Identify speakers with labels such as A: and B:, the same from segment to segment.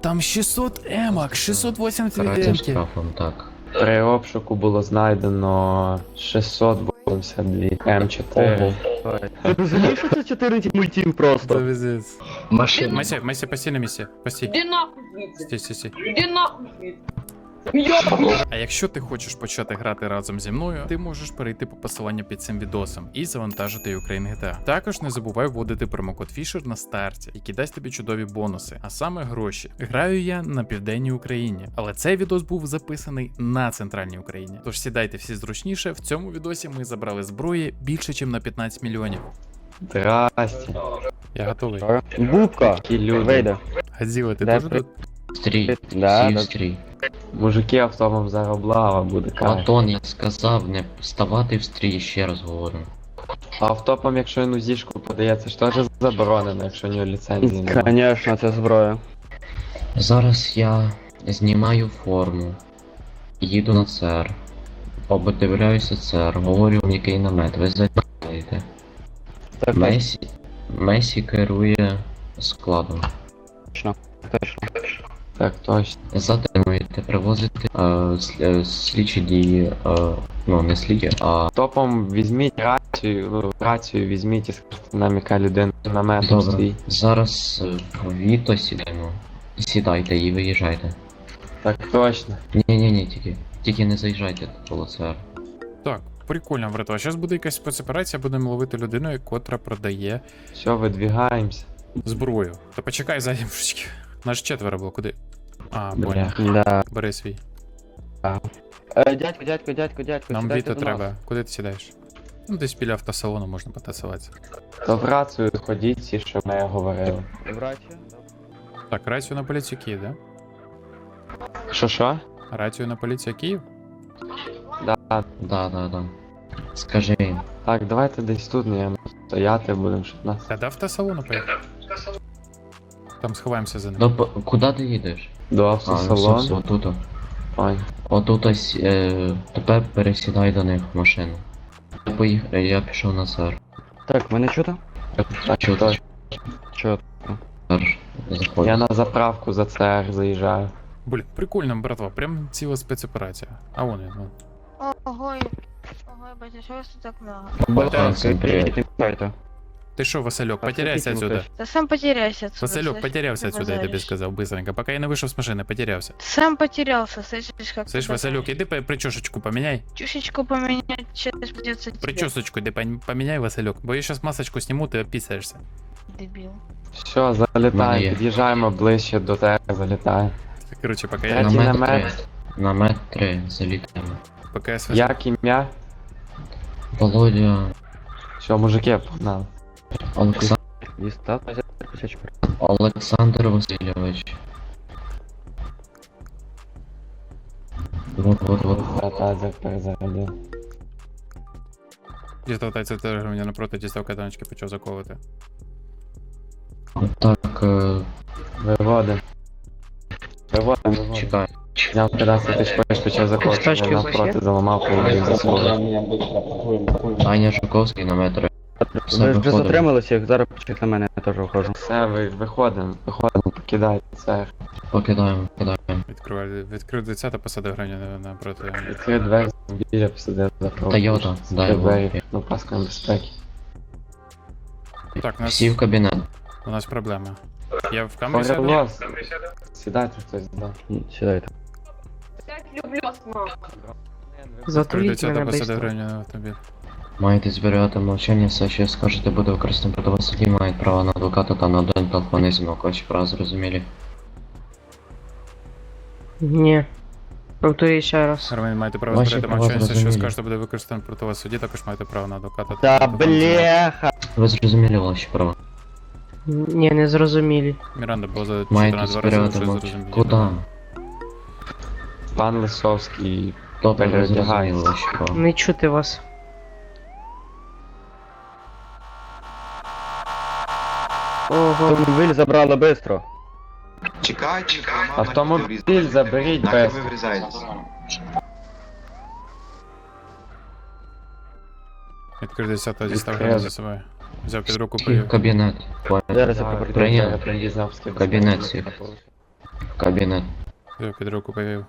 A: Там 600 емок, 680
B: Карається
A: емки.
B: штрафом, так.
C: При обшуку було знайдено 682 М4.
D: Ти розумієш, що це 14 мультів просто?
A: Завезець.
B: Машина.
A: Месі, постій на місці. Постій.
E: Іди нахуй звідси.
A: Стій.
E: Іди нахуй звідси. Йо!
A: А якщо ти хочеш почати грати разом зі мною, ти можеш перейти по посиланню під цим відосом і завантажити Ukraine GTA. Також не забувай вводити промокод Fisher на старті, який дасть тобі чудові бонуси, а саме гроші. Граю я на південній Україні, але цей відос був записаний на центральній Україні. Тож сідайте всі зручніше. В цьому відосі ми забрали зброї більше, ніж на 15 мільйонів.
C: Здрасте.
A: Я готовий.
D: Бубка,
C: Такі люди.
D: вийде.
A: Гадзіла, ти
D: Да,
A: теж тут?
B: Стрій.
D: Да,
B: Сів
D: да.
B: стрій.
C: Мужики автомом зараз облава буде каже.
B: Антон, я сказав не вставати в стрій, ще раз говорю.
C: А автопом, якщо він узішку подається, ж теж заборонено, якщо у нього ліцензії немає.
D: Конечно, це зброя.
B: Зараз я знімаю форму, їду на ЦР, обдивляюся ЦР, говорю в який намет, ви заїдаєте.
D: Так,
B: Месі керує складом.
D: точно.
C: Так, точно.
B: Затримуєте, привозите слідчі дії, ну не слідчі, а
C: Топом візьміть рацію візьміть і скажете нам, яка людина намет
B: добре.
C: свій.
B: Зараз в Віто сідаємо. Сідайте і виїжджайте.
C: Так точно.
B: Ні, тільки не заїжджайте до ЦР.
A: Так, прикольно, братва. Зараз буде якась спецоперація, будемо ловити людину, котра продає
C: Все, видвигаємося.
A: зброю. Та почекай ззаді, мужички. Нас 4 було, куди? А, понял.
D: Да.
A: Бери свій.
D: Дядько,
A: Нам
D: сідайте
A: Віто
D: до
A: треба.
D: нас.
A: Куди ти сідаєш? Ну, десь біля автосалону можна потасуватися.
C: То в рацію ходіть всі, що ми говорили.
D: Врачі?
A: Так, рацію на поліцію Київ, да?
C: Що?
A: Рацію на поліцію Київ?
C: Да.
B: Да. Скажи їм.
C: Так, давайте десь тут, не стояти будемо, щоб нас.
A: Та до автосалону поїхав. Там сховаємося за ним.
B: Куди ти їдеш?
C: До
B: А, ну все,
C: автосалону.
B: отут.
C: Ой.
B: Отут ось, тепер пересідай до них в машину. Я пішов на ЦР.
D: Так, мене чути?
C: Так,
B: Чого
C: точно.
D: Чо?
B: Заходь.
C: Я на заправку за ЦР заїжджаю.
A: Блін, прикольно, братва, прям ціла спецоперація. А вон він, ну.
F: Ого, батя, что вас тут так много?
B: Всім привіт.
A: Ти що, Васильок, потеряйся отсюда.
F: Да сам потеряйся отсюда.
A: Васильок,
F: слышь,
A: потерявся
F: ты
A: отсюда, я тобі
F: базаришь.
A: сказав, быстренько. Поки я не вийшов з машини, потерявся.
F: Сам потерялся, слышишь, как
A: Слышь,
F: ты
A: Васильок, іди причесочку поміняй.
F: чушечку поменять, сейчас придется тебе,
A: Причесочку іди поміняй, Васильок. Бо я зараз масочку зніму, ти опісаєшся.
F: дебил.
C: Все,
B: Мене
C: залітаємо,
B: є.
C: під'їжджаємо ближче до тебе, залітаємо.
A: Коротше, поки
C: Третій
A: я...
B: Намет
C: намет.
B: 3. Намет 3. Залітаємо.
A: Поки я...
C: Як ім'я?
B: Володя.
C: Все, мужики, погнали.
B: Олександр Васильович. Вот.
C: Тазер перезарядив.
A: Дістав тайця громадян напроти, дістав катаночки, почав заковувати.
B: Так,
C: Виводим. Виводим.
B: чекай.
C: Зняв 15 тисяч поїзд, почав заходити, навпроти заламав половину заслуги.
B: Аня Жуковський на метро. Все,
D: Ви вже
B: виходимо.
D: затрималися, їх зараз почек на мене, я теж виходжу.
C: Все, виходимо, покидайте це.
B: Покидаємо.
A: Відкрив дитя та посадив громадян напроти.
C: Відкрив двері, біля посадив за
B: Тойота, дай
C: двері, ну паском безпеки.
A: Так,
B: Всі в кабінет.
A: у нас проблема. Я в камері сяду?
C: Погреблос. Сідайте хтось, да.
D: Сідайте.
E: Я люблю вас, мам.
A: Відкрив дитя та посадив громадян на автомобіль.
B: Маєте зберігати мовчання, все, що скажете, буде використано проти вас в суді, мають право на адвоката та на один телефонний дзвінок. Ваші права зрозумілі.
G: Ні. Повторюй ще раз.
A: Громадян, маєте право
B: Ваші
A: зберігати
B: права
A: мовчання, все, що
B: зрозумілі.
A: скажете, буде використано проти вас в суді, також маєте право на адвоката.
D: Та
A: на телефонний дзвінок.
D: бляха!
B: Ви зрозуміли ваші права?
G: Ні, не зрозумілі.
A: Міранда було за
B: Маєте
A: 14 рази,
B: зберігати
A: вже
B: мовчання.
A: зрозуміло.
B: Куда?
C: Пан Лисовський.
B: Добре, ви
C: Переодягається.
B: зрозуміли ваші права.
G: Не чути вас.
D: Автомобіль забрали бистро.
H: Чекайте,
C: Автомобіль заберіть
H: нахер
C: без.
H: ви врізаєтесь.
A: Відкрив дитя та дістав
C: Відкрив.
A: громадян за собою. Взяв під руку,
B: Всі в
A: привів.
B: кабінет.
D: Зараз я
B: Прийняв.
C: Прийняв.
B: Кабінет всіх. В кабінет.
A: Я під руку повів.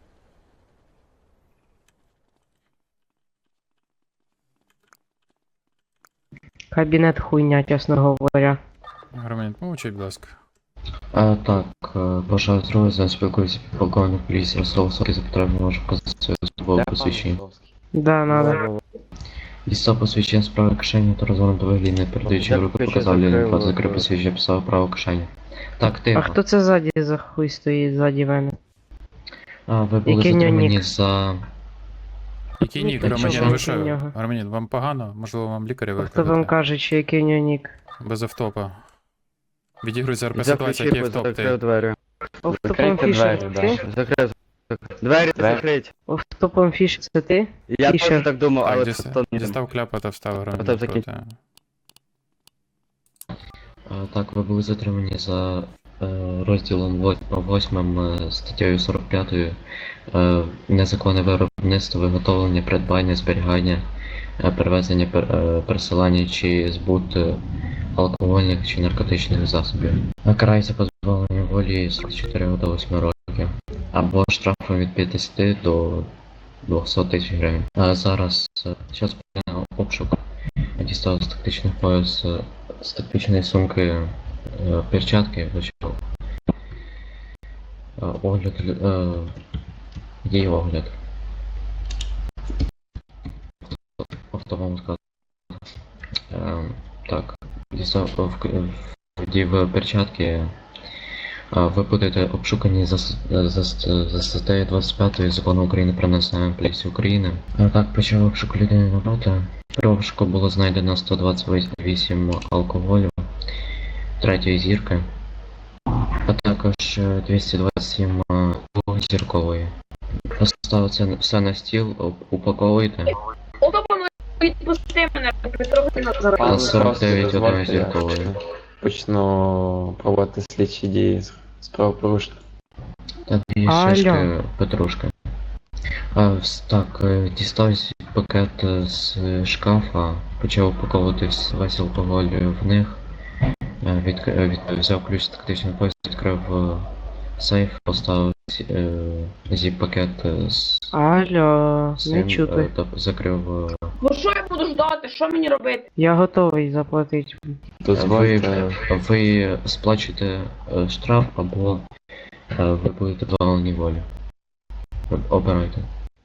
G: Кабінет хуйня, чесно говоря.
A: Громадян, помовчіть, будь ласка.
B: Так, бажаю здоров'я, спілкуюся підполковник поліції Ростов-Сокий, за потреби можу показати своє службове посвідчення.
G: Да, надо.
B: Дістав посвідчення з правої кишені та розгорнуто виглядне, передаючи в руку, показав лінію, закрив посвідчення, писав праву кишені. Так,
G: А
B: тихо.
G: хто це ззаді за хуй стоїть ззаді мене?
B: Ви були
G: Який
B: затримані
G: нюнік?
B: за...
A: Який нік,
G: Та
A: громадян,
G: чого
A: ви
G: ви
A: що?
G: про нього?
A: Громадян, вам погано? Можливо, вам лікаря
G: А хто вам
A: викликати?
G: каже, чи який у нього нік?
A: Без автопа.
D: Взяв
A: Відігрується РП ситуація, який
D: ключі,
A: автоп
D: закрив
A: ти.
D: двері.
G: Офтопом
C: Закрийте
G: Фішер,
C: двері,
G: ти?
C: да.
D: Закрив. Двері закрить.
G: Офтопом Фішер, це ти?
D: Я
G: Фішер.
D: теж так думав,
A: Так,
D: але
A: діста-
D: то ні.
A: дістав кляпа та встав
D: Потім
A: громадян
D: закинь.
A: проти.
B: Так, ви були затримані за розділом 8 статтею 45 незаконне виробництво, виготовлення, придбання, зберігання, перевезення, пересилання чи збут алкогольних чи наркотичних засобів. Карається позбавлення волі з 4 до 8 років або штрафом від 50 до 200 тисяч гривень. Зараз час на обшук. Дістав з тактичних пояс, з тактичної сумки перчатки, почав огляд, її огляд. Автомом сказати. Так, дістав в перчатки. Ви будете обшукані за статтею 25 Закону України про національну поліцію України. Так, почав обшук людини напроти. При обшуку було знайдено 128 алкоголю, третьої зірки, а також 227 двохзіркової. Поставити все на стіл, упаковуйте.
E: Отобано відпусти мене, трохи назад.
B: Та 49
C: дозвольте,
B: однозіркової.
C: я почну проводити слідчі дії з правопорушення.
B: Та дві
G: Алло.
B: шишки петрушки. Так, дістав пакет з шкафа, почав упаковувати весь алкоголь в них, взяв ключ з тактичного поясу, відкрив сейф, поставив зіп-пакет з
G: Алло, не
B: цим,
G: чути.
B: та закрив.
E: Ну що я буду ждати? Що мені робити?
G: Я готовий заплатити.
C: Дозвольте.
B: Ви сплачуєте штраф або ви будете позбавлені волі. Обирайте.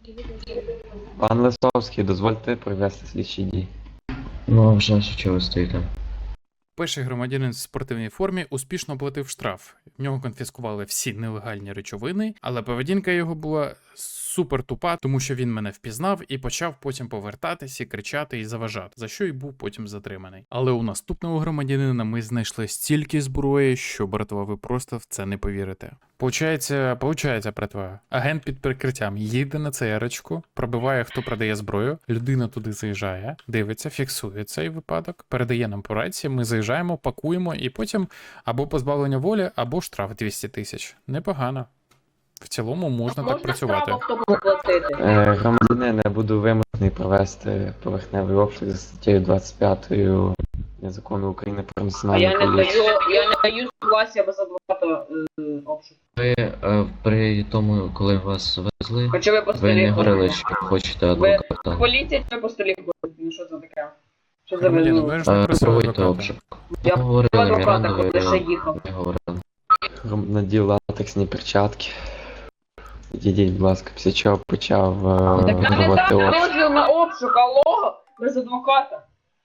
C: Пан Лисовський, дозвольте провести слідчі дії.
B: Ну, а вже ж чого ви стоїте?
A: Перший громадянин в спортивній формі успішно оплатив штраф. В нього конфіскували всі нелегальні речовини, але поведінка його була супер тупа, тому що він мене впізнав і почав потім повертатись і кричати і заважати, за що й був потім затриманий. Але у наступного громадянина ми знайшли стільки зброї, що, братва, ви просто в це не повірите. Получається, братва, агент під прикриттям їде на ЦР-очку, пробиває, хто продає зброю, людина туди заїжджає, дивиться, фіксує цей випадок, передає нам по рації, ми заїжджаємо, пакуємо і потім або позбавлення волі, або штраф 200 тисяч. Непогано. В цілому можна так працювати.
E: штраф автобусу платити?
C: Громадянин, я буду вимушений провести поверхневий обшук за статтею 25 Закону України про
E: А
C: національну
E: я не
C: поліцію.
E: даю согласия без адвоката обшук.
B: Ви при тому, коли вас везли,
E: Хоча ви по
B: ви
E: столі
B: не говорили,
E: ходите.
B: що хочете адвоката.
E: Поліція чи по столі ходить? Ну що це таке? Що за
A: Громадяни,
E: вину?
A: ви ж не просили
B: Проводьте
A: адвоката.
B: обшук.
E: Я
B: Ви говорили
E: адвоката,
B: Мірандові,
E: куди ще їхав.
B: ви говорили.
C: Надів латексні перчатки. Відійдіть, будь ласка, після чого почав
E: Так я не
C: проводити
E: дам
C: обшук.
E: дозвіл на обшук, алло, без адвоката.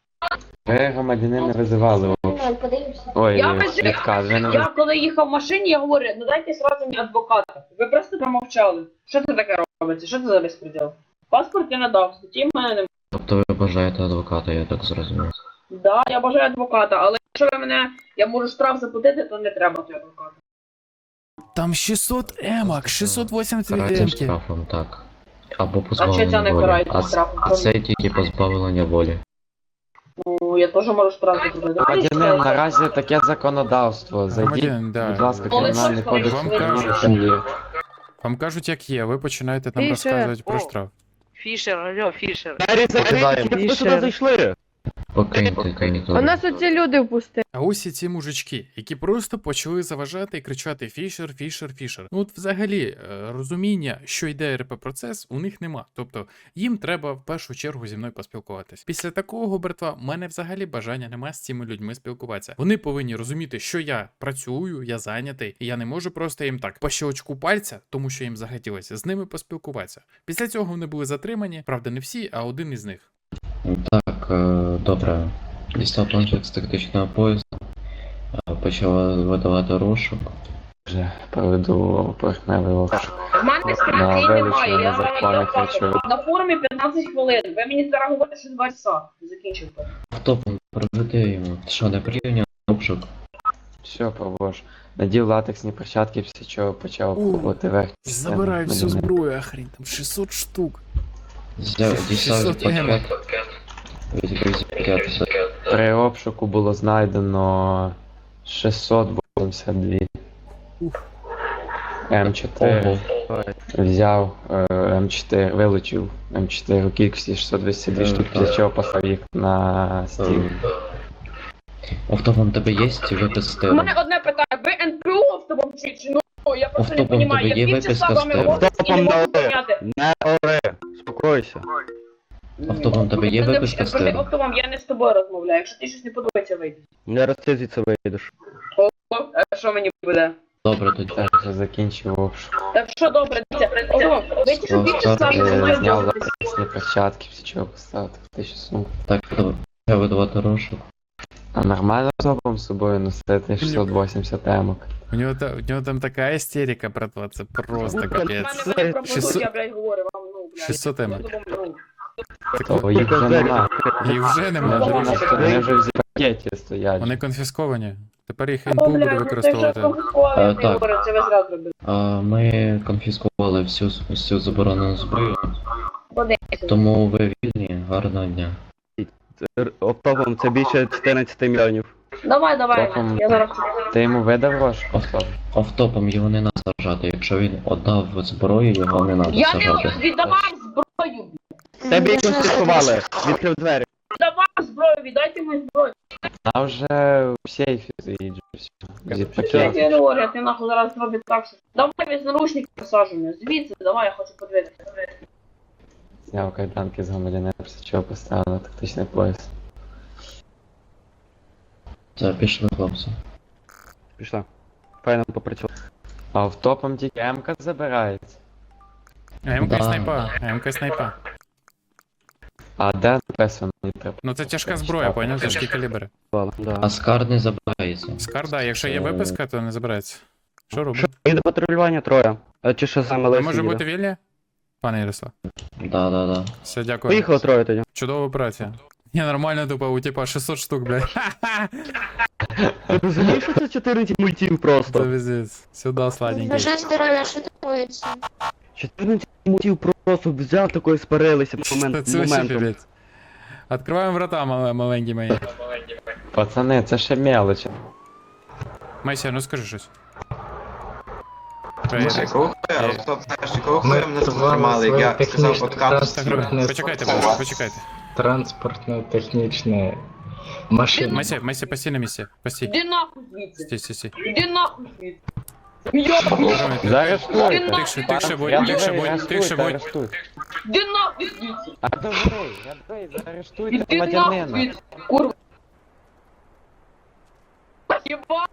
C: Ви громадянин не визивали обшук. Ой,
E: Я визив-
C: відказ, ви не
E: Я коли їхав в машині, я говорю, ну дайте сразу мені адвоката. Ви просто промовчали. Що це таке робиться? Що це за безпреділ? Паспорт я надав, статті в мене немає.
B: Тобто ви бажаєте адвоката, я так зрозумів.
E: Да, я бажаю адвоката, але якщо ви мене, я можу штраф заплатити, то не треба цього адвоката.
A: Там 600 емок, 680
B: Карається
A: емки.
B: штрафом, так. Або
E: А що ця
B: позбавлення
E: не
B: волі.
E: карається штрафом?
B: А це тільки позбавлення волі.
E: Ну, я теж можу штраф заплатити.
C: Громадянин, наразі таке законодавство. Зайдіть,
A: Громадянин, да.
C: будь ласка,
E: Але
C: кримінальний
E: що
C: кодекс
E: вам
C: України
A: кажуть?
C: сім'ї.
A: Вам кажуть, як є, ви починаєте нам
F: Фішер,
A: розказувати про
F: о.
A: штраф.
F: Фішер, алло, Фішер.
D: Двері закриті, ви
G: Фішер.
D: сюди зайшли.
B: Покиньте територію.
F: У нас оці люди впустили.
A: А ось і ці мужички, які просто почали заважати і кричати Фішер, Фішер, Фішер. Ну от взагалі розуміння, що йде РП процес, у них нема. Тобто їм треба в першу чергу зі мною поспілкуватись. Після такого, братва, в мене взагалі бажання нема з цими людьми спілкуватися. Вони повинні розуміти, що я працюю, я зайнятий, і я не можу просто їм так по щелчку пальця, тому що їм захотілося з ними поспілкуватися. Після цього вони були затримані, правда, не всі, а один із них.
B: Так, добре. Дістав планшет з тактичного поясу. Почала видавати розшук.
C: Вже проведу поверхневий обшук.
E: В мене
C: На
E: стратегії немає,
C: вилучення
E: я
C: незаконних речовин.
E: на форумі 15 хвилин. Ви мені зараз говорите, що 2 часа. Закінчуйте.
B: Хто проведе йому? Що, не порівняв обшук?
C: Все, провож. Надів латексні перчатки, після чого почав
A: У,
C: пробувати верхню
A: Забираю всю
C: частину.
A: зброю, охрень, там 600 штук.
B: Дістав
A: 600 єм.
B: пакет.
C: При обшуку було знайдено 682
A: Ух.
C: М4.
B: Ого.
C: Взяв М4, вилучив М4 у кількості 622 штук, після чого послав їх на стіл.
B: Автопом тебе є випис з
E: У
B: тиру?
E: мене одне питання. Ви НПУ автопом чи ну? Я просто не
B: Автопом
E: розумію.
B: тебе
E: Я
B: є
E: півчаса
B: виписка
E: з
B: з
E: вами
B: тебе?
E: говорю і не можу
D: Автопом
E: поняти.
D: Не ори, успокойся.
B: Автопом тебе є виписка з тиру?
E: Автопом я не з тобою розмовляю. Якщо ти щось не подобається, вийди.
D: Не раз ти звідси вийдеш.
E: О, а що мені буде?
B: Добре, тоді.
C: Так, вже закінчив обшук.
E: Так що добре, дивіться. Автопом, ви ті, що півчаса зі мною
C: Зняв
E: ділитесь.
C: латексні перчатки, після чого поставив тактичну сумку.
B: Так, я видавати розшук.
C: А нормально з обом з собою носити 680 емок.
A: У нього там така істерика, братва, це просто
E: У
A: капець.
E: мене про
A: 600
E: я, блядь, говорю вам, ну, блядь.
A: 600 емок.
C: То їх вже нема.
A: Їх вже немає, друже.
C: Вони вже в пакеті стоять.
A: Вони конфісковані. Тепер їх
E: О,
A: НПУ буде
E: блядь, ну це вже
A: використовувати.
E: конфіскували, я
B: Так.
E: говорю, це ви зразу робили.
B: Ми конфіскували всю заборонену зброю,
E: Подивіться.
B: тому ви вільні, гарного дня.
D: Оптовом це більше 14 мільйонів.
E: Давай,
C: Автопом.
E: я зараз...
C: Ти йому видав розшук?
B: Автопом його не треба сажати. Якщо він віддав зброю, його не треба
E: Я не
B: сажати.
E: віддавав зброю.
D: Тебе їх конфіскували. Відкрив двері.
E: Віддавав зброю, віддайте мені зброю.
C: Вона вже в сейфі стоїть. Зі
E: Я
C: пакету.
E: тебе говорю, я ти нахуй зараз зробить так, що... Давай без наручників посаджу, звідси, давай, я хочу подивитися.
C: Зняв кайданки з громадянина, після чого поставив на тактичний пояс.
B: Це пішли, хлопці.
D: Пішла. Файно попрацював.
C: А автопом тільки М-ка забирається.
A: МК
B: Да.
A: снайпа, МК снайпа.
C: А де написано мені треба?
A: Ну це тяжка зброя, поняв, тяжкі калібри.
D: Да.
B: А скар не забирається.
A: Скар, да, якщо є виписка, то не забирається. Що робимо?
D: Що, їде патрулювання троє. А чи що саме
A: Ви
D: Лесі
A: може
D: їде?
A: бути вільні? Пане Ярослав.
B: Да.
A: Все, дякую.
D: Поїхали троє тоді.
A: Чудова операція. Я нормально тупо, у типа 600 штук, блядь. Ха-ха!
D: Ти розумієш, що це 14 мультів
A: Це
D: просто?
A: візит. Сюда, сладенький.
F: Бажаю здоров'я, що такується?
D: 14 мультів просто взяв такої спарилися
A: Та це вообще
D: моментом.
A: піпець. Откриваємо врата, маленькі мої.
C: Пацани, це ще мелочі.
A: Майся, ну скажи щось.
H: Кого мене затримали, як я сказав, откат.
A: Так, почекайте, почекайте.
I: Транспортно-технічне машина.
A: Майся, постій на місці. Постій.
E: Іди нахуй звідси.
A: Стій.
E: Іди нахуй звідси. Йобаний.
C: Заарештуйте.
A: Тихше будь, тихше будь.
E: Іди нахуй звідси.
C: А добрий, заарештуйте
E: Іди нахуй
C: громадянина.
E: звідси. Курва. Єба.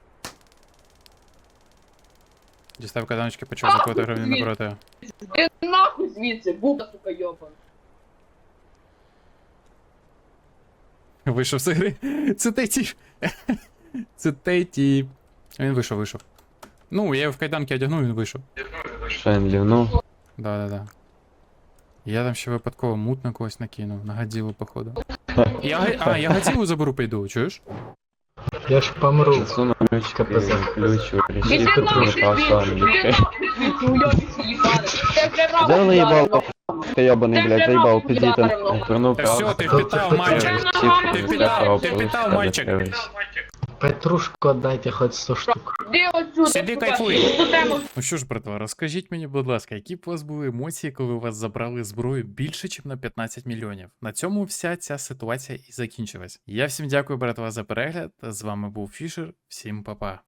A: Дістав каданочки, почав закувати гривні напроти.
E: Іди нахуй звідси. Буба, сука, йобана.
A: Вийшов з гри. Це той тіп. Це той тіп. Він вийшов. Ну, я його в кайданки одягнув, він вийшов.
C: Що він лівнув?
A: Да. Я там ще випадково мут на когось накинув, на Годзілу, походу. Я Годзілу заберу, пойду, чуєш?
I: Я ж помру.
C: Засунув ключ,
I: КПЗ.
C: ключ у
E: Іди
C: решітку,
E: нахуй
C: запав
E: звідси.
C: славу
E: Іди
C: лікаря.
E: нахуй звідси. Уйобіться, їбане. Це вже раб
D: Де заїбав?
E: ударив.
D: Ти йобаний, блядь, заїбав, підійти.
C: Вернув
A: Та все, ти впитав, мальчик. Ти впитав, мальчик.
I: Петрушку отдайте хоть 100 штук.
E: Іди отсюди,
A: Сиди,
E: сука,
A: кайфуй.
E: ту тему.
A: Ну що ж, братва, розкажіть мені, будь ласка, які б у вас були емоції, коли у вас забрали зброю більше, ніж на 15 мільйонів? На цьому вся ця ситуація і закінчилась. Я всім дякую, братва, за перегляд. З вами був Фішер. Всім па-па.